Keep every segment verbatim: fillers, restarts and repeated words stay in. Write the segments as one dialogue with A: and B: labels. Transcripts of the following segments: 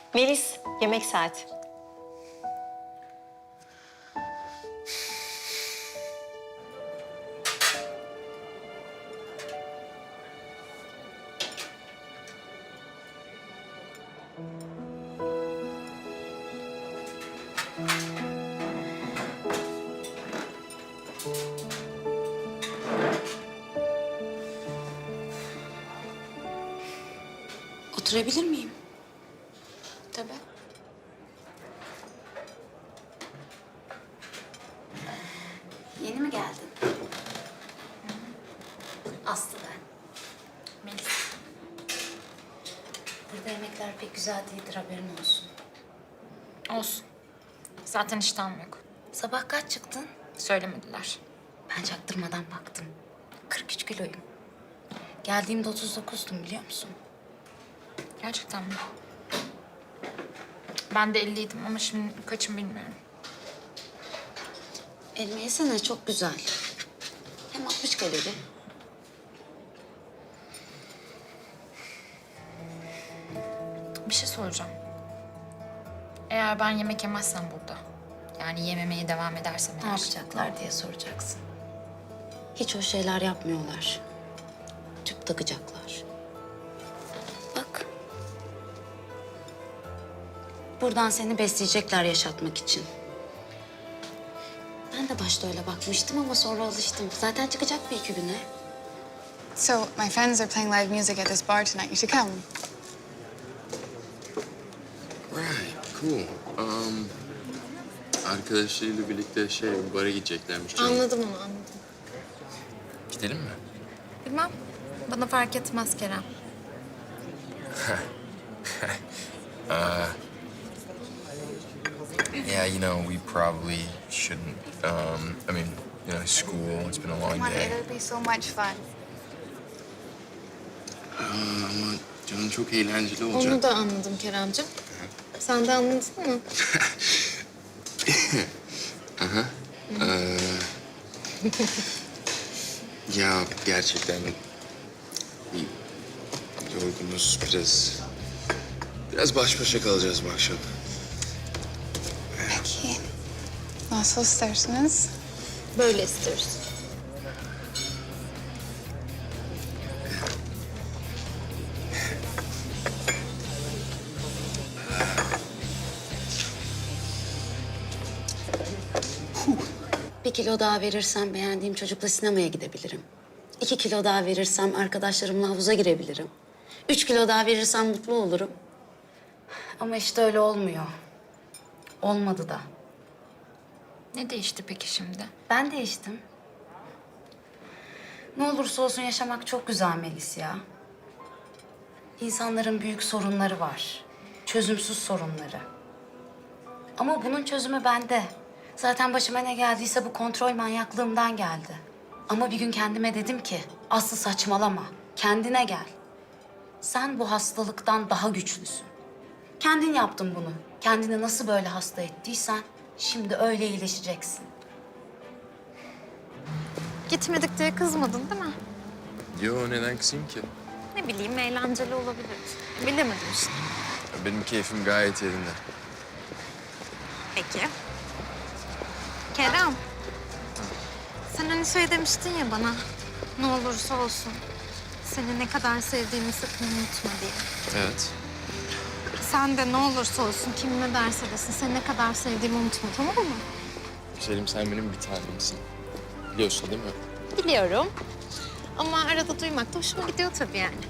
A: Melis, yemek saati.
B: Oturabilir miyim?
A: Tabii.
B: Yeni mi geldin? Aslı ben.
A: Melis.
B: Burada yemekler pek güzel değildir, haberin olsun.
C: Olsun. Zaten iştahım yok.
B: Sabah kaç çıktın?
C: Söylemediler.
B: Ben çaktırmadan baktım. kırk üç kiloyum. Geldiğimde otuz dokuzdum, biliyor musun?
C: Gerçekten mi? Ben de elliydim ama şimdi kaçım bilmiyorum.
B: Elma yesene, çok güzel. Hem altmış kalori.
C: Bir şey soracağım. Eğer ben yemek yemezsem burada, yani yememeye devam edersem
B: Ne
C: eğer...
B: yapacaklar diye soracaksın. Hiç o şeyler yapmıyorlar. Tüp takacaklar. Bak. Buradan seni besleyecekler yaşatmak için. Ben de başta öyle bakmıştım ama sonra alıştım. Zaten çıkacak bir iki güne.
D: So, my friends are playing live music at this bar tonight. You should come.
E: Right, cool. Um, arkadaşlarıyla birlikte şey, bara gideceklermiş. canım.
C: Anladım onu, anladım.
E: Gidelim mi?
C: Bilmem. Bana fark etmez Kerem.
E: Yeah, you know, we probably shouldn't. Um, I mean, you know, school, it's been a long
D: Come on,
E: day.
D: it'll be so much fun.
E: Aa, ama canım çok eğlenceli olacak.
C: Onu da anladım Keremcim. Sen de anladın mı?
E: Ee, ya gerçekten bir yorgunuz, biraz biraz baş başa kalacağız bu akşam.
D: Peki. Nasıl istersiniz?
C: Böyle istiyoruz.
B: Bir kilo daha verirsem beğendiğim çocukla sinemaya gidebilirim. İki kilo daha verirsem arkadaşlarımla havuza girebilirim. Üç kilo daha verirsem mutlu olurum. Ama işte öyle olmuyor. Olmadı da.
C: Ne değişti peki şimdi?
B: Ben değiştim. Ne olursa olsun yaşamak çok güzel Melis ya. İnsanların büyük sorunları var. Çözümsüz sorunları. Ama bunun çözümü bende. Zaten başıma ne geldiyse bu kontrol manyaklığımdan geldi. Ama bir gün kendime dedim ki, Aslı saçmalama, kendine gel. Sen bu hastalıktan daha güçlüsün. Kendin yaptın bunu. Kendini nasıl böyle hasta ettiysen, şimdi öyle iyileşeceksin.
C: Gitmedik diye kızmadın değil mi?
E: Yo, neden kızayım ki?
C: Ne bileyim, eğlenceli olabilir. Bilemedim işte.
E: Benim keyfim gayet yerinde.
C: Peki. Kerem. Sen hani şey demiştin ya bana, ne olursa olsun seni ne kadar sevdiğimi sakın unutma diye.
E: Evet.
C: Sen de ne olursa olsun kim ne derse desin seni ne kadar sevdiğimi unutma, tamam mı?
E: Güzelim, sen benim bir tanemsin. Biliyorsun değil mi?
C: Biliyorum. Ama arada duymak da hoşuma gidiyor tabii yani.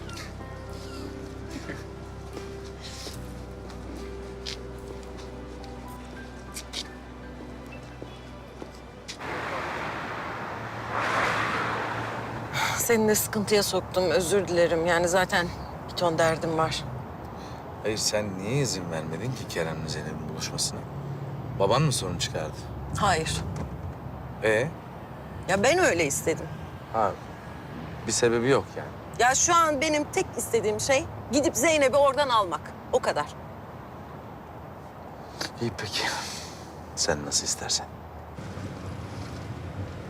F: Seni de sıkıntıya soktum, özür dilerim. Yani zaten bir ton derdim var.
G: Hayır, sen niye izin vermedin ki Kerem'le Zeynep'in buluşmasına? Baban mı sorun çıkardı?
F: Hayır.
G: Ee?
F: Ya ben öyle istedim.
G: Ha, bir sebebi yok yani.
F: Ya şu an benim tek istediğim şey gidip Zeynep'i oradan almak. O kadar.
G: İyi peki. Sen nasıl istersen.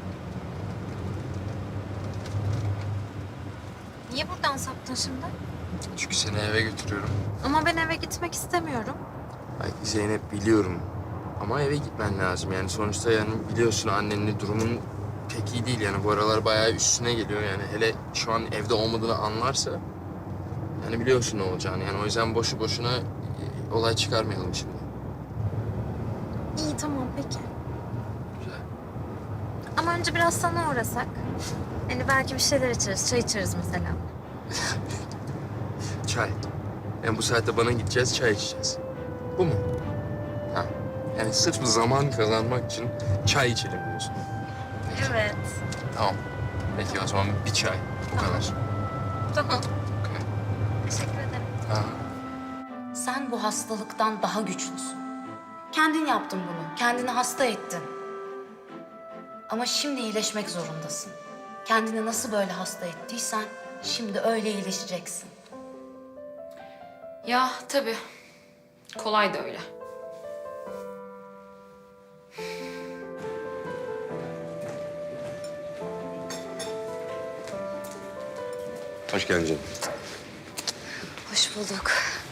C: Niye buradan saptın şimdi?
E: Çünkü seni eve götürüyorum.
C: Ama ben eve gitmek istemiyorum.
E: Ay Zeynep biliyorum. Ama eve gitmen lazım. Yani sonuçta yani biliyorsun annenin durumun pek iyi değil. Yani bu aralar bayağı üstüne geliyor. Yani hele şu an evde olmadığını anlarsa... Yani biliyorsun ne olacağını. Yani o yüzden boşu boşuna e, olay çıkarmayalım şimdi.
C: İyi tamam peki.
E: Güzel.
C: Ama önce biraz sana uğrasak. Hani belki bir şeyler içeriz, çay içeriz mesela.
E: Çay. Yani bu saatte bana gideceğiz, çay içeceğiz. Bu mu? Ha. Yani sırf zaman kazanmak için çay içelim diyorsun.
C: Evet.
E: Tamam. Peki o zaman bir çay. Bu kadar.
C: Tamam.
E: Okay.
C: Teşekkür ederim.
E: Ha.
B: Sen bu hastalıktan daha güçlüsün. Kendin yaptın bunu. Kendini hasta ettin. Ama şimdi iyileşmek zorundasın. Kendini nasıl böyle hasta ettiysen şimdi öyle iyileşeceksin.
H: Ya tabii. Kolay da öyle.
I: Hoş geldin canım.
B: Hoş bulduk.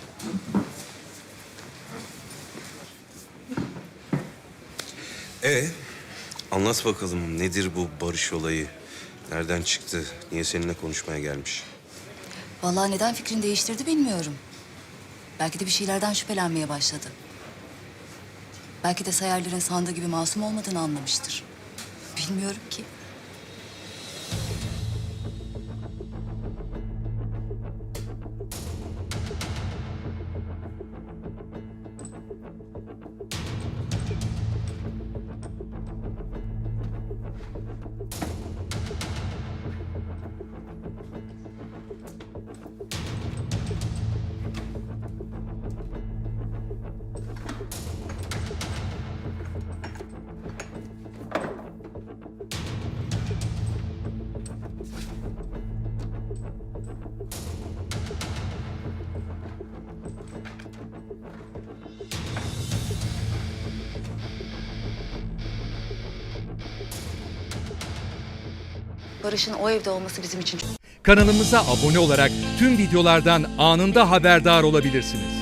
I: Ee, anlat bakalım nedir bu barış olayı? Nereden çıktı? Niye seninle konuşmaya gelmiş?
J: Vallahi neden fikrini değiştirdi bilmiyorum. Belki de bir şeylerden şüphelenmeye başladı. Belki de Sayarların sandığı gibi masum olmadığını anlamıştır. Bilmiyorum ki. Barış'ın o evde olması bizim için çok...
K: Kanalımıza abone olarak tüm videolardan anında haberdar olabilirsiniz.